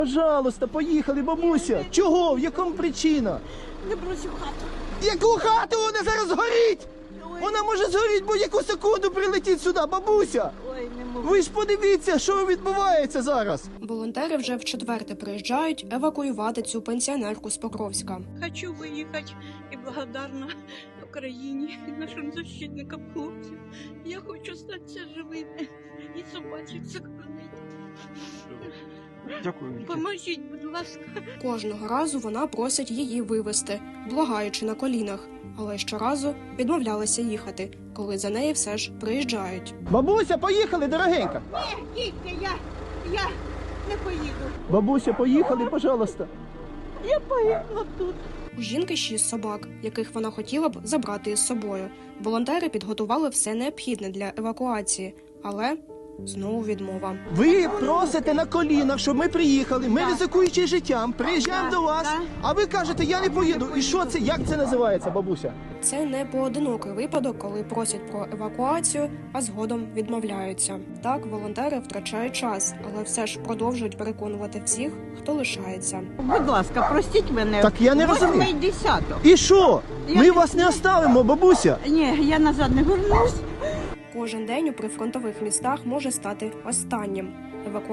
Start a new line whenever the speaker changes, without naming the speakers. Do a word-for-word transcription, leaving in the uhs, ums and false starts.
Пожалуйста, поїхали, бабуся. Чого? В якому причина?
Не бросив хату.
Яку хату? Вона зараз згорить! Вона може згоріти будь-яку секунду, прилетіть сюди, бабуся!
Ой, не можу.
Ви ж подивіться, що відбувається зараз.
Волонтери вже вчетверте приїжджають евакуювати цю пенсіонерку з Покровська.
Хочу виїхати і благодарна Україні, нашим защитникам хлопців. Я хочу статися живим і собачок сохранити.
Дякую.
Поможіть, будь ласка.
Кожного разу вона просить її вивезти, благаючи на колінах, але щоразу відмовлялася їхати, коли за неї все ж приїжджають.
Бабуся, поїхали, дорогенька.
Ні, дітки, я, я не поїду.
Бабуся, поїхали, пожалуйста.
Я погибла тут.
У жінки шість собак, яких вона хотіла б забрати із собою. Волонтери підготували все необхідне для евакуації, але знову відмова.
Ви просите на колінах, щоб ми приїхали, ми ризикуючи життям, приїжджаємо
Да,
до вас,
да.
а ви кажете, я не поїду. І що це, як це називається, бабуся?
Це не поодинокий випадок, коли просять про евакуацію, а згодом відмовляються. Так, волонтери втрачають час, але все ж продовжують переконувати всіх, хто лишається.
Будь ласка, простіть мене.
Так я не розумію.
Восьмий десяток.
І що?
Я
Ми
не-
вас не оставимо, бабуся.
Ні, я назад не вернусь.
Кожен день у прифронтових містах може стати останнім. Еваку...